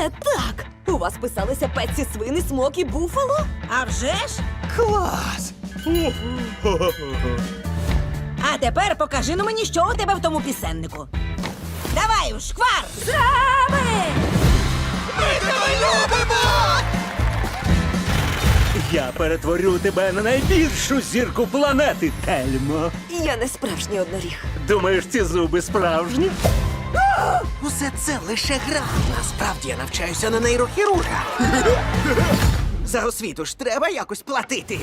Це так! У вас писалися Петсі, Свин і Смок і Буфало? А вже ж? Клас! А тепер покажи ну мені, що у тебе в тому пісеннику. Давай, у шквар! Зраби! Ми тебе любимо! Я перетворю тебе на найбільшу зірку планети, Тельмо. Я не справжній одноріг. Думаєш, ці зуби справжні? Усе це лише гра. Насправді я навчаюся на нейрохірурга. За освіту ж треба якось платити.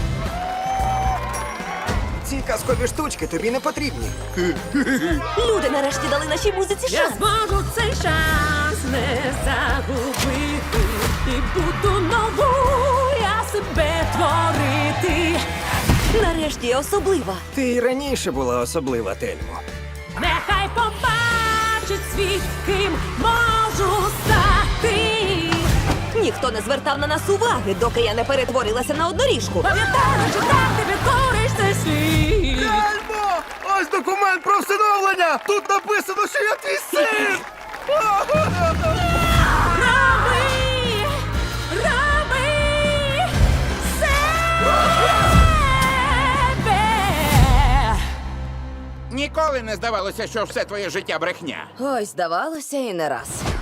Ці казкові штучки тобі не потрібні. Люди нарешті дали нашій музиці Я шанс. зможу цей шанс не загубити і буду нову я себе творити. Нарешті я особлива. Ти й раніше була особлива, Тельмо. Нехай побачить світ, ким можу стати. Ніхто не звертав на нас уваги, доки я не перетворилася на одноріжку. Пам'ятаю, що так ти підкориш цей світ. Тельмо! Ось документ про всиновлення! Тут написано, що я твій син! Роби себе. Ніколи не здавалося, що все твоє життя брехня. Ой, здавалося, і не раз.